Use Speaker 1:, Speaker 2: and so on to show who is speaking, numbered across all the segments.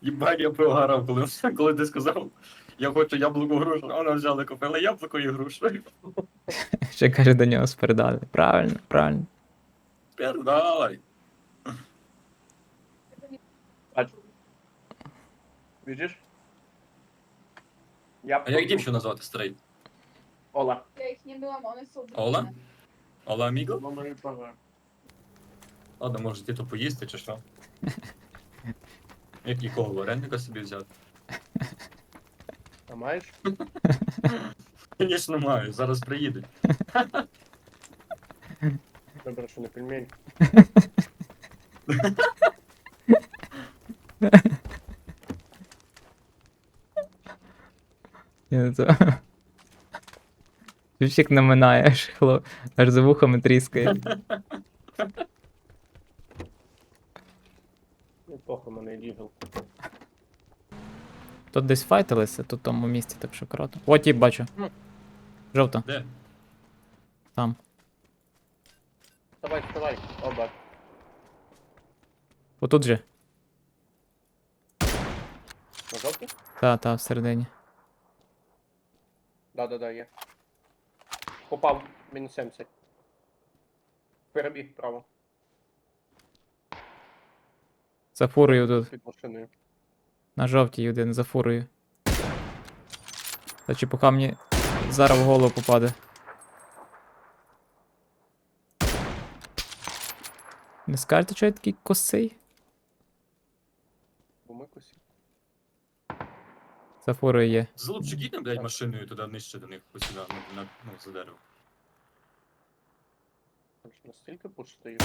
Speaker 1: Їбать, я програв, коли ти сказав, я хочу яблуко грушу, а вона взяла, купила яблуко і грушу.
Speaker 2: Ще каже до нього спередали. Правильно, правильно.
Speaker 1: Передавай.
Speaker 3: Бачу. Видиш? Я
Speaker 1: А як дівчину назвати, старий?
Speaker 3: Ола.
Speaker 4: Я их не дома, он из
Speaker 1: Ола? Ола Аміго?
Speaker 3: Мама і пора.
Speaker 1: Ладно, може ти то поїсти чи що? Як якого вареника собі взяти?
Speaker 3: А маєш?
Speaker 1: Звісно, маю, зараз приїде.
Speaker 3: Добре, що не пельмень.
Speaker 2: Чувчик наминає, аж за вухами тріскає.
Speaker 3: Неплохо мене лігав.
Speaker 2: Тут десь файтилися, тут в тому місці, так що круто. О, тіп бачу. Жовто,
Speaker 1: Де?
Speaker 2: там.
Speaker 3: Вставай, вставай. Оба.
Speaker 2: Отут же.
Speaker 3: На жовтий?
Speaker 2: Та, всередині.
Speaker 3: Да, є. Попав. Мінус 70. Перебіг вправо.
Speaker 2: За фурою тут.
Speaker 3: Під машиною.
Speaker 2: На жовтій один, за фурою. Та чепуха мені зараз в голову попаде. Не скажете, що я такий косий?
Speaker 3: Бо ми косі.
Speaker 2: За фурою є.
Speaker 1: Залупчик їдемо, блядь, машиною туди нижче до них посюди, ну, за дерево.
Speaker 3: Настільки пустий.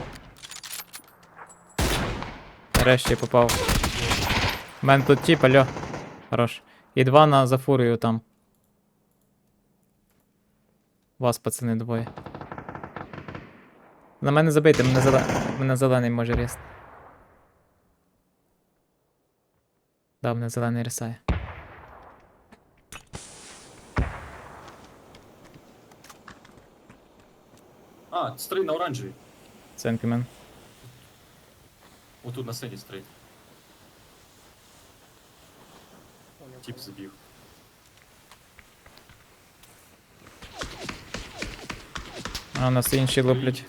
Speaker 2: Нарешті я попав. У мене тут тіп, алло. Хорош. І два на за фурою там. Вас, пацани, двоє. На мене забийте, мене зелений може різати. Да, мене зелений рисає.
Speaker 1: А, старий на оранжевій.
Speaker 2: Ценкімен.
Speaker 1: Отут на синій старий. Тіп забіг.
Speaker 2: А у нас інші луплять.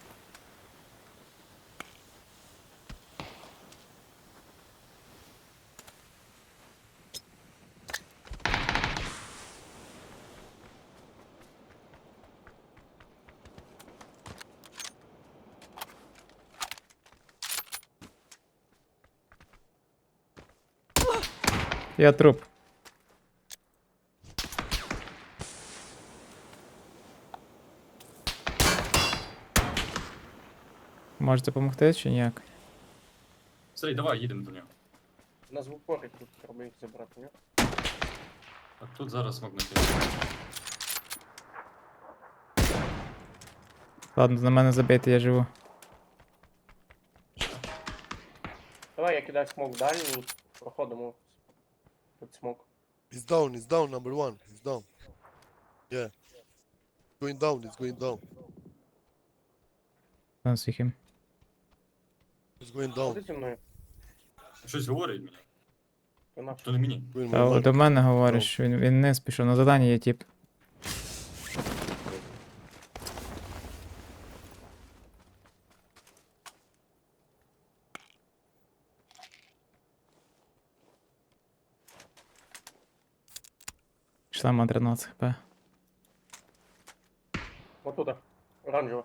Speaker 2: Я труп. Можете допомогти чи ніяк?
Speaker 1: Старий, давай, їдемо до нього.
Speaker 3: Нас в упорі тут треба їх забрати, ні?
Speaker 1: А тут зараз мог накинути.
Speaker 2: Ладно, на мене забити, я живу.
Speaker 3: Давай я кидаю смок далі і проходимо під смок.
Speaker 5: He's down, number one. He's down. Yeah. It's going down.
Speaker 2: Там їхім.
Speaker 5: It's going
Speaker 3: Ходи
Speaker 5: down.
Speaker 3: зі мною.
Speaker 1: Щось говорить мені.
Speaker 3: То наш.
Speaker 1: То не мені.
Speaker 5: Going
Speaker 2: Та
Speaker 5: my
Speaker 2: до
Speaker 5: mark.
Speaker 2: мене говориш, він не спішов, на задання є тип. Шлема 13 хп.
Speaker 3: Отуда. Оранжева.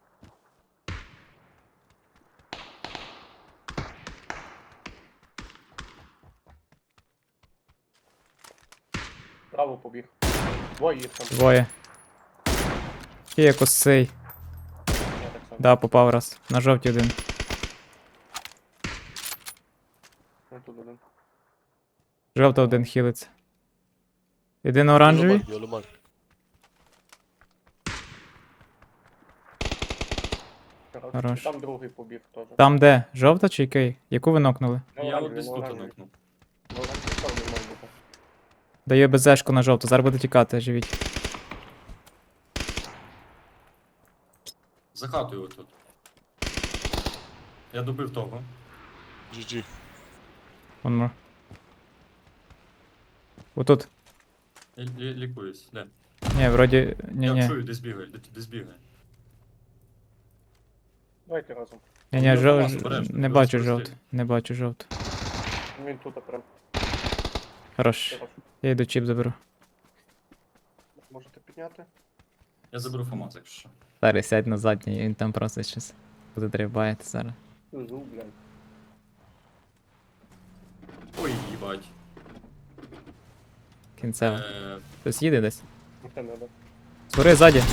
Speaker 3: Право побіг. Двоє їх там.
Speaker 2: Двоє. Є косий.
Speaker 3: Я так само.
Speaker 2: Да, попав раз. На жовті один.
Speaker 3: Отут один.
Speaker 2: Жовта один хілиться. Іди на оранжевий.
Speaker 5: Yellow mark.
Speaker 2: Хорош.
Speaker 3: Там другий побіг теж.
Speaker 2: Там де? Жовта чи який? Яку ви нокнули?
Speaker 3: На
Speaker 1: Я от
Speaker 3: оранжевий,
Speaker 1: десь
Speaker 3: на
Speaker 1: тут
Speaker 3: оранжевий.
Speaker 1: нокнув.
Speaker 3: На оранжевий там не може бути.
Speaker 2: Даю безешку на жовту, зараз буде тікати, живіть.
Speaker 1: За хатою отут. Я добив того.
Speaker 5: GG.
Speaker 2: One more. Отут.
Speaker 1: Лікуюсь, де?
Speaker 2: Ні, вроді.
Speaker 1: Я
Speaker 2: Ні-ні.
Speaker 1: чую, десь бігає, десь бігає.
Speaker 3: Давайте разом.
Speaker 2: Ні-ні,
Speaker 1: Я
Speaker 2: жов...
Speaker 1: вас обережно,
Speaker 2: Не
Speaker 1: ви
Speaker 2: бачу
Speaker 1: розповісти.
Speaker 2: жовт. Не бачу жовт.
Speaker 3: Він тут прям.
Speaker 2: Хорош. Я йду чіп заберу.
Speaker 3: Можете підняти.
Speaker 1: Я заберу ФАМАС, якщо що.
Speaker 2: Старий, сядь на задній, він там просто щось буде дрібаєте зараз.
Speaker 3: Зу, блядь.
Speaker 1: Ой, їбать.
Speaker 2: Кінцево.
Speaker 1: Е,
Speaker 2: Хтось їде десь?
Speaker 3: Ніхто не дав.
Speaker 2: Згори ззаді.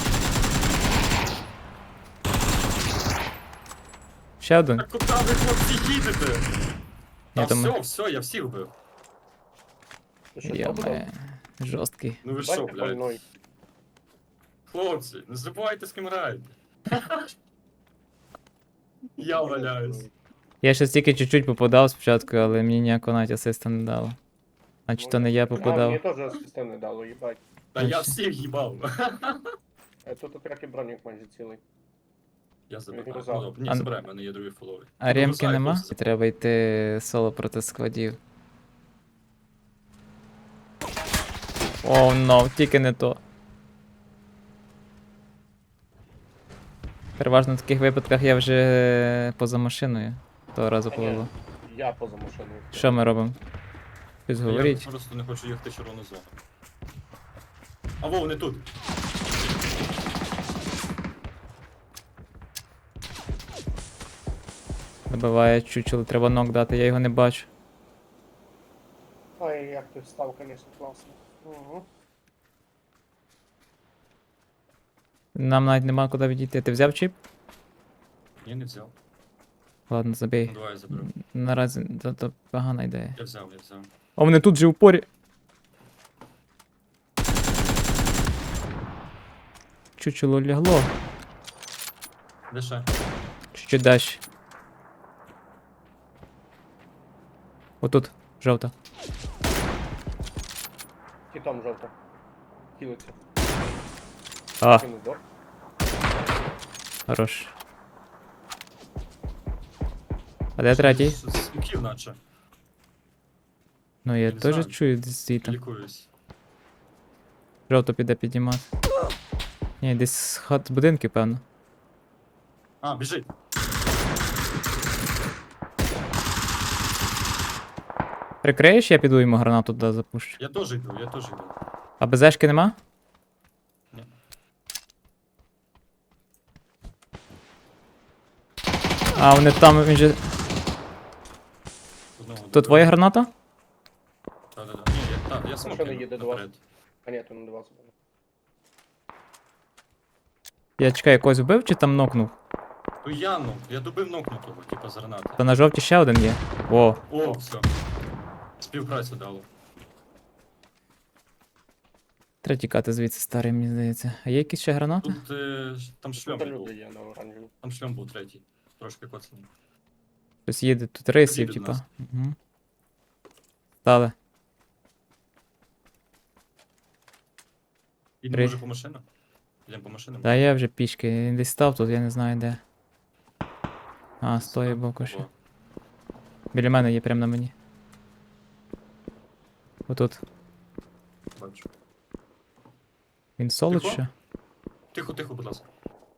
Speaker 2: Ще один.
Speaker 1: Так куди ви, хлопці, їдете? Та
Speaker 2: Я думаю-
Speaker 1: все, я всіх вбив.
Speaker 3: Ти що,
Speaker 2: Йоме,
Speaker 3: зробив?
Speaker 2: жорсткий.
Speaker 1: Ну ви що,
Speaker 3: Бачите,
Speaker 1: блядь?
Speaker 3: больной.
Speaker 1: Хлопці, не забувайте, з ким граєте. Я валяюсь.
Speaker 2: Я ще тільки чуть-чуть попадав спочатку, але мені ніякого навіть асиста не дало. Значить, то не я
Speaker 3: А, мені
Speaker 2: попадав.
Speaker 3: теж асистент не дало, їбать.
Speaker 1: Та я всіх їбав.
Speaker 3: Тут трохи бронік майже цілий.
Speaker 1: Я забираю.
Speaker 3: Він
Speaker 1: Ну,
Speaker 3: казав.
Speaker 1: добре, ні,
Speaker 2: А-
Speaker 1: забирай, в мене є другий фоловий.
Speaker 2: А ремки
Speaker 1: Бросай,
Speaker 2: нема?
Speaker 1: хлопці.
Speaker 2: Треба йти соло проти складів. Оу, но, тільки не то. Переважно в таких випадках я вже поза машиною. Того разу
Speaker 3: А ні,
Speaker 2: повело.
Speaker 3: я поза машиною.
Speaker 2: Що ми робимо? Щось
Speaker 1: Я
Speaker 2: говоріть.
Speaker 1: просто не хочу їхати в червону зону. А во, вони тут.
Speaker 2: Добиває чучело, треба нок дати, я його не бачу.
Speaker 3: Ой, як ти встав, звісно, класно. Угу.
Speaker 2: Нам навіть нема куди відійти. Ти взяв чіп?
Speaker 1: Я не взяв.
Speaker 2: Ладно, забій.
Speaker 1: Ну, давай я заберу.
Speaker 2: Наразі то погана ідея.
Speaker 1: Я взяв.
Speaker 2: А вони тут же в упорі. Чучело лягло.
Speaker 1: Де ще?
Speaker 2: Чуть-чуть далі. Отут, жовта.
Speaker 3: Кітом жовто. Хілиться.
Speaker 2: А,
Speaker 3: Кинув дор.
Speaker 2: хорош. А де третій?
Speaker 1: З смоків наче.
Speaker 2: Ну я
Speaker 1: Я не
Speaker 2: теж
Speaker 1: знаю.
Speaker 2: чую десь звідти.
Speaker 1: Лікуюсь.
Speaker 2: Жовто піде піднімати. Ні, десь з хат з будинки, певно.
Speaker 1: А, біжить.
Speaker 2: Прикриєш, я піду йому гранату туди запущу.
Speaker 1: Я теж йду.
Speaker 2: А безешки нема?
Speaker 1: Ні.
Speaker 2: А, вони там, він же...
Speaker 1: Одного
Speaker 2: То
Speaker 1: добив.
Speaker 2: твоя граната?
Speaker 1: Та-да-да. Ні, я смок
Speaker 3: Машина
Speaker 1: кину
Speaker 3: їде до вас.
Speaker 1: наперед.
Speaker 3: А ні, то не до вас.
Speaker 2: Я чекаю, якогось вбив чи там нокнув?
Speaker 1: То я добив нокнутого, типа з гранати.
Speaker 2: Та на жовті ще один є. О,
Speaker 1: О, все. Співпрацю дало.
Speaker 2: треба тікати звідси старий, мені здається. А є якісь ще гранати?
Speaker 1: Тут там шльом
Speaker 3: Тут
Speaker 1: був.
Speaker 3: люди є на оранжеві.
Speaker 1: Там шльом був третій. Трошки коцаний.
Speaker 2: Хтось їде, тут рейсів,
Speaker 1: їде до
Speaker 2: типа.
Speaker 1: нас.
Speaker 2: Угу. Стали.
Speaker 1: Ідемо
Speaker 2: Три.
Speaker 1: може по машинам? Йдемо по машинам?
Speaker 2: Та я вже пішки, він десь став тут, я не знаю де. А, стоїть
Speaker 1: Ага,
Speaker 2: боку ще.
Speaker 1: ого.
Speaker 2: Біля мене є прямо на мені. Отут.
Speaker 1: Бачу.
Speaker 2: Він соло
Speaker 1: Тихо?
Speaker 2: що?
Speaker 1: Тихо, будь ласка.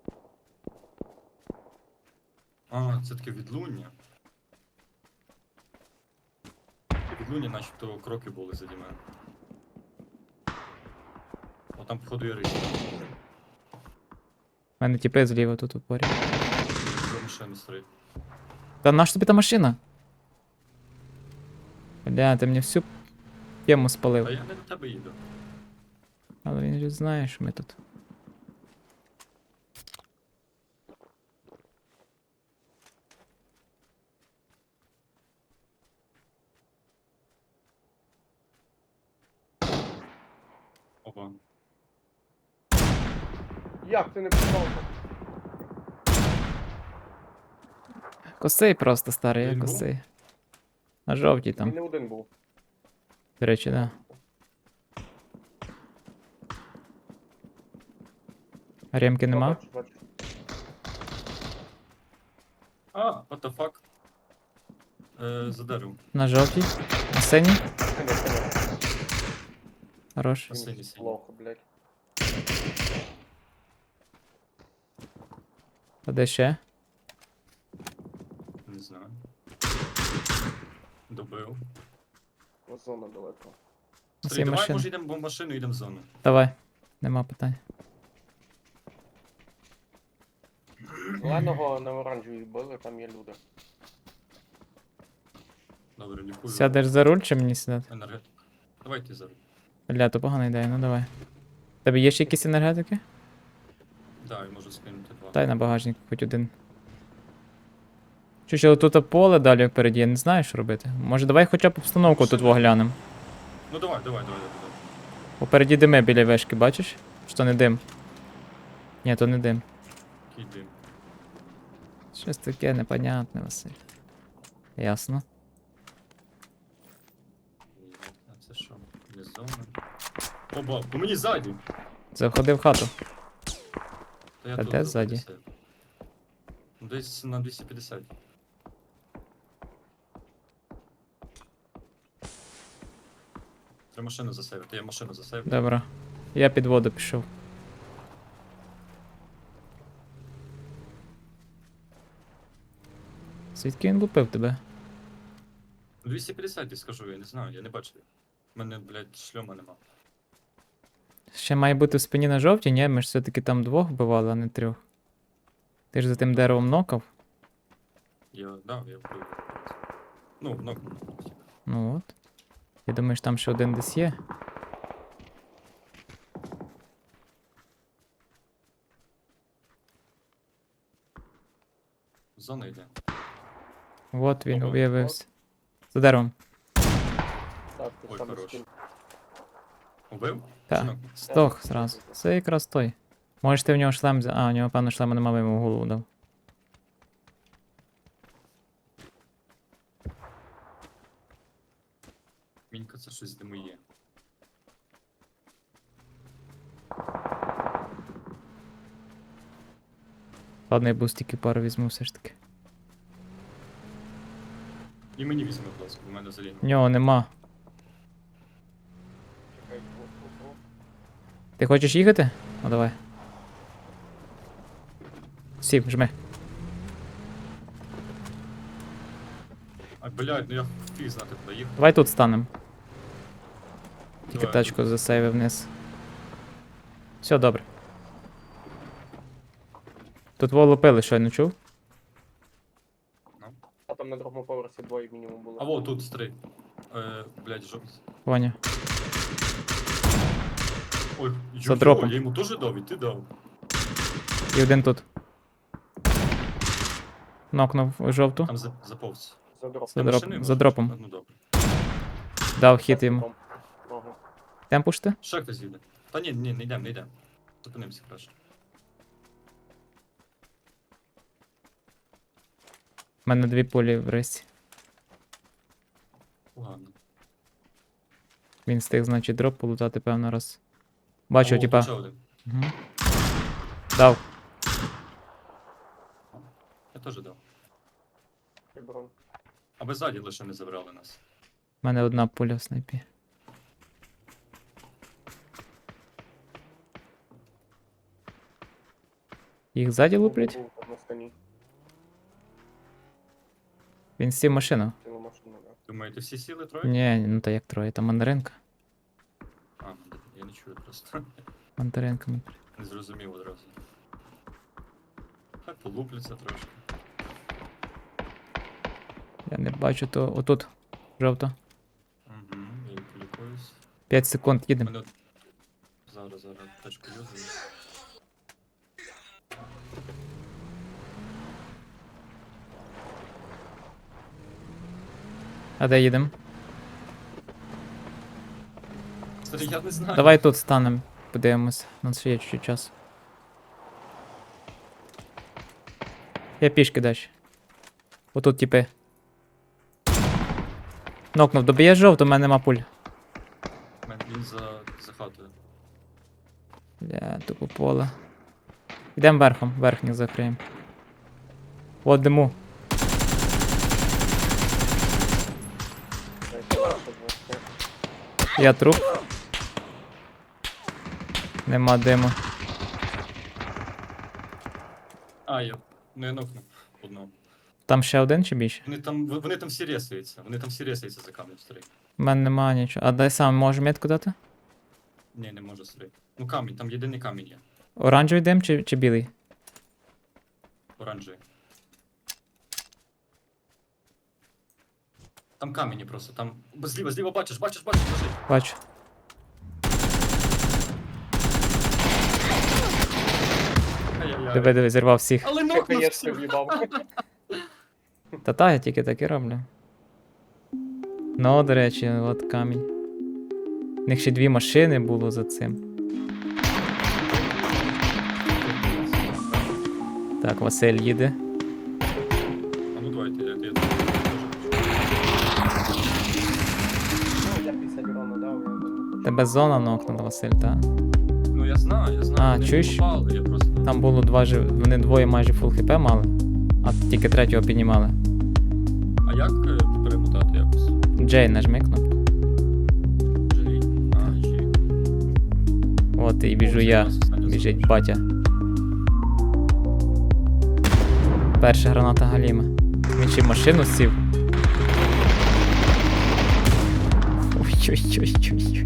Speaker 1: А, це таке відлуння. Відлуння, начебто кроки були заді мене. О, там походу є рись.
Speaker 2: У мене тіпи зліва тут у порі.
Speaker 1: До машини стоїть.
Speaker 2: Та наш тобі та машина? Бля, ти мені всю тему
Speaker 1: А
Speaker 2: спалив.
Speaker 1: я не до тебе їду.
Speaker 2: Але він же знає, що ми тут.
Speaker 1: Опа.
Speaker 3: Як ти не попав?
Speaker 2: Косий просто старий, я
Speaker 1: Він був?
Speaker 2: косий. На жовтій
Speaker 3: Він
Speaker 2: там.
Speaker 3: не один був.
Speaker 2: До речі, да. А ремки нема?
Speaker 3: Бачу.
Speaker 1: А, what the fuck? За деревом.
Speaker 2: На жовтій. На синій.
Speaker 3: Синя.
Speaker 2: Хорош.
Speaker 1: На синій,
Speaker 3: Він
Speaker 1: синій.
Speaker 3: плохо, блядь.
Speaker 2: А де ще?
Speaker 1: Не знаю. Добив.
Speaker 3: Зона далеко.
Speaker 2: На
Speaker 1: Стрій,
Speaker 2: цій
Speaker 1: давай,
Speaker 2: машині.
Speaker 1: може, йдемо в машину, йдемо в зону.
Speaker 2: Давай. Нема питань.
Speaker 3: Зеленого на оранжевій били, там є люди.
Speaker 1: Добре, лікую.
Speaker 2: Сядеш за руль чи мені сідати?
Speaker 1: Енергетик. Давай ти зараз.
Speaker 2: Бля, то погана ідея, ну давай. Тебе є ще якісь енергетики?
Speaker 1: Да, я можу скинути 2.
Speaker 2: Дай на багажник хоч один. Чи тут поле далі впереді, я не знаю, що робити. Може давай хоча б обстановку тут оглянемо.
Speaker 1: Ну давай.
Speaker 2: Попереді дими біля вишки, бачиш? Що то не дим? Ні, то не дим.
Speaker 1: Який дим.
Speaker 2: Щось таке непонятне, Василь. Ясно.
Speaker 1: А це що? Не зона. Оба, по мені ззаді.
Speaker 2: Заходи в хату.
Speaker 1: Та я
Speaker 2: Та
Speaker 1: тут
Speaker 2: де
Speaker 1: за
Speaker 2: ззаді?
Speaker 1: 50. Ну, десь на 250. Треба машину засейвити, я машину засейвив.
Speaker 2: Добре. Я під воду пішов. Звідки він лупив тебе?
Speaker 1: 250 я скажу, я не знаю, я не бачив. У мене, блядь, шльома нема.
Speaker 2: Ще має бути в спині на жовтій, ні? Ми ж все-таки там двох вбивали, а не трьох. Ти ж за тим деревом нокав?
Speaker 1: Я вбив. Ну, ну.
Speaker 2: Ну от. Я думаю, що там ще один десь є.
Speaker 1: Зона йде.
Speaker 2: От він
Speaker 1: Ого.
Speaker 2: виявився. За деревом.
Speaker 3: Так, ти
Speaker 1: Ой,
Speaker 3: там
Speaker 1: хорош.
Speaker 3: скин.
Speaker 1: Убив?
Speaker 2: Так.
Speaker 1: Жінок?
Speaker 2: Стох зразу. Це якраз той. Можеш ти в нього шлем взяти. А, у нього, певно, шлема нема, йому в голову дав.
Speaker 1: Мінька, це щось де моє.
Speaker 2: Ладно, я бустики пару візьму все ж таки.
Speaker 1: І мені візьми, будь ласка, у мене взагалі.
Speaker 2: В нього нема.
Speaker 3: Чекай, о.
Speaker 2: Ти хочеш їхати? Ну давай. Сів, жми.
Speaker 1: А, блядь, ну я фіг знати, куди їхати.
Speaker 2: Давай тут станем. Тільки
Speaker 1: Давай,
Speaker 2: тачку засейвив вниз. Все добре. Тут волу пили, щойно чув?
Speaker 3: А там на другому поверсі двоє мінімум було.
Speaker 1: А во, тут стрий. Блядь, жовтий.
Speaker 2: Поняв.
Speaker 1: Ой,
Speaker 2: За дропом.
Speaker 1: я йому теж дав, і ти дав.
Speaker 2: І один тут. Нокнув жовту.
Speaker 1: Там заповз.
Speaker 3: За дроп.
Speaker 2: За
Speaker 1: Ти
Speaker 2: дроп-
Speaker 1: машиною
Speaker 2: за
Speaker 1: можеш?
Speaker 2: дропом.
Speaker 1: Ну добре.
Speaker 2: Дав хід йому.
Speaker 3: Ага.
Speaker 2: Темпуш ти?
Speaker 1: Ще хтось їде. Та ні, не йдемо. Зупинимося краще.
Speaker 2: У мене 2 пулі в рисі.
Speaker 1: Погано.
Speaker 2: Він встиг, значить, дроп полутати, певно, раз. Бачу,
Speaker 1: О,
Speaker 2: типа.
Speaker 1: тут ще один.
Speaker 2: Угу. Дав.
Speaker 1: Я теж дав.
Speaker 3: Приброн.
Speaker 1: Аби ззаді лише не забрали нас.
Speaker 2: У мене одна пуля в снайпі. Їх ззаді луплять?
Speaker 3: Був там на стані.
Speaker 2: Він сів в машину.
Speaker 3: Цілу машину, да.
Speaker 1: Думаєте, всі сіли троє?
Speaker 2: Ні, ну та як троє, там мандаринка.
Speaker 1: А, я не чую просто.
Speaker 2: Мандаринка.
Speaker 1: Не зрозумів одразу. Хай полупляться трошки.
Speaker 2: Я не бачу, то отут. Жовто.
Speaker 1: Угу, я полікуюсь.
Speaker 2: 5 секунд їдемо.
Speaker 1: Мене... Зараз тачку юзаю.
Speaker 2: А де їдемо?
Speaker 1: Старий, я не знаю.
Speaker 2: Давай тут станемо, подивимось. У нас ще є чуть-чуть часу. Я пішки далі. Отут типи. Нокнув, доб'є жовто, у мене нема пуль.
Speaker 1: Він за хатою.
Speaker 2: Бля, тупо поле. Йдемо верхом, верхніх закриємо. От диму.
Speaker 3: Хорошо було.
Speaker 2: Я труп. Нема диму.
Speaker 1: А, я нокнув одного.
Speaker 2: Там ще один чи більше?
Speaker 1: Вони там всі ресуються. Вони там всі ресуються за камнем старий.
Speaker 2: У мене нема нічого. А дай сам, може метку дати?
Speaker 1: Ні, не можу старий. Ну камінь, там єдиний камінь є.
Speaker 2: Оранжевий дим чи білий?
Speaker 1: Оранжевий. Там камені просто, там. Зліва, бачиш, лежить.
Speaker 2: Бачу.
Speaker 1: Ай-яй-яй.
Speaker 2: Диви, зірвав всіх.
Speaker 1: Але
Speaker 3: Ти
Speaker 1: нокнув
Speaker 3: хаєшку
Speaker 1: всіх.
Speaker 3: в'їбав.
Speaker 2: Та я тільки так і роблю. Ну, до речі, от камінь. У них ще 2 машини було за цим. Так, Василь їде.
Speaker 1: А ну давайте, я
Speaker 3: Ну, я 50 урона дав, я не хочу.
Speaker 2: Тебе зона нокнула, Василь, так?
Speaker 1: Ну я знаю.
Speaker 2: А,
Speaker 1: вони
Speaker 2: чуєш?
Speaker 1: попали, я просто.
Speaker 2: Там було 2 вони двоє майже фул хп мали, а тільки третього піднімали.
Speaker 1: А як перемотати якось?
Speaker 2: Джей нажми кнопку.
Speaker 1: Джей. А, Джей.
Speaker 2: От і біжу я. Біжить батя. Перша граната Галіма. Він ще й в машину сів. Ой-ой-ой-ой-ой.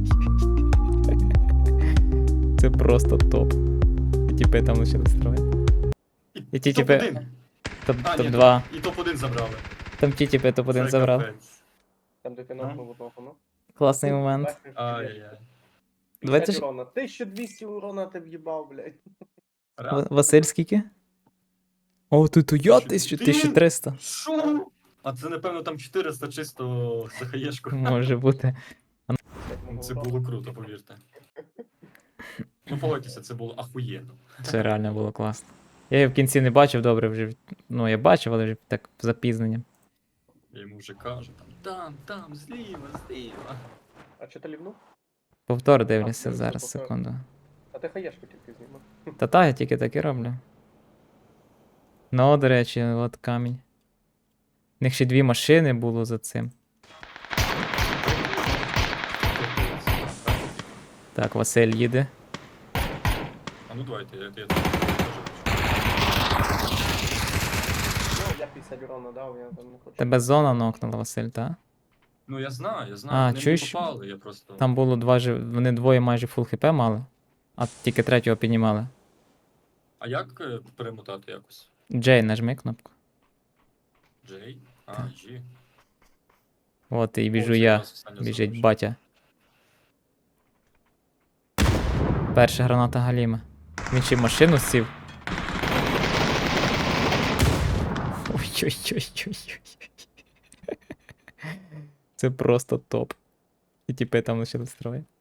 Speaker 2: Це просто топ. І тіпи там лишили строїти. І ті тіпи.
Speaker 1: Топ-1. А, ні,
Speaker 2: Топ-2.
Speaker 1: І топ-1 забрали.
Speaker 2: Там ті тіпи топ-1
Speaker 1: Це
Speaker 2: забрав.
Speaker 1: капець.
Speaker 3: Там, де ти нокнув одного, ну.
Speaker 2: Класний момент.
Speaker 1: Ай-яй-яй.
Speaker 2: 20
Speaker 3: 20 урона. 1200 урона ти в'їбав, блядь.
Speaker 1: Реально?
Speaker 2: Василь скільки? О, тут я 1300.
Speaker 1: Що? А це, напевно, там 400 чисто за хаєшку.
Speaker 2: Може бути.
Speaker 1: Це було круто, повірте. Ну, погодьтеся, це було ахуєнно.
Speaker 2: Це реально було класно. Я її в кінці не бачив, добре вже. Ну, я бачив, але вже так з запізненням.
Speaker 1: Я йому вже кажу, там, зліва.
Speaker 3: А чи ти лівнув?
Speaker 2: Повтор дивлюся
Speaker 3: це
Speaker 2: зараз,
Speaker 3: повтор.
Speaker 2: секунду.
Speaker 3: А ти хаєшку тільки знімав.
Speaker 2: Та я тільки так і роблю. Ну, до речі, от камінь. У них ще 2 машини було за цим. Так, Василь їде.
Speaker 1: А ну давайте, я теж.
Speaker 3: Ну, я 50 урона дав, я там не хочу.
Speaker 2: Тебе зона нокнула, Василь, так?
Speaker 1: Ну я знаю.
Speaker 2: А,
Speaker 1: Вони
Speaker 2: чуєш?
Speaker 1: попали, я просто.
Speaker 2: Там було 2 вони двоє майже фул хп мали, а тільки третього піднімали.
Speaker 1: А як перемотати якось?
Speaker 2: Джей нажми кнопку.
Speaker 1: Джей? А, Джі.
Speaker 2: От і біжу
Speaker 1: О, це
Speaker 2: я.
Speaker 1: якраз останнє
Speaker 2: Біжить
Speaker 1: залишилось.
Speaker 2: батя. Перша граната Галіма. Він ще й в машину сів. Ой-ой-ой-ой-ой. Це просто топ. І тіпи там лишили строїти.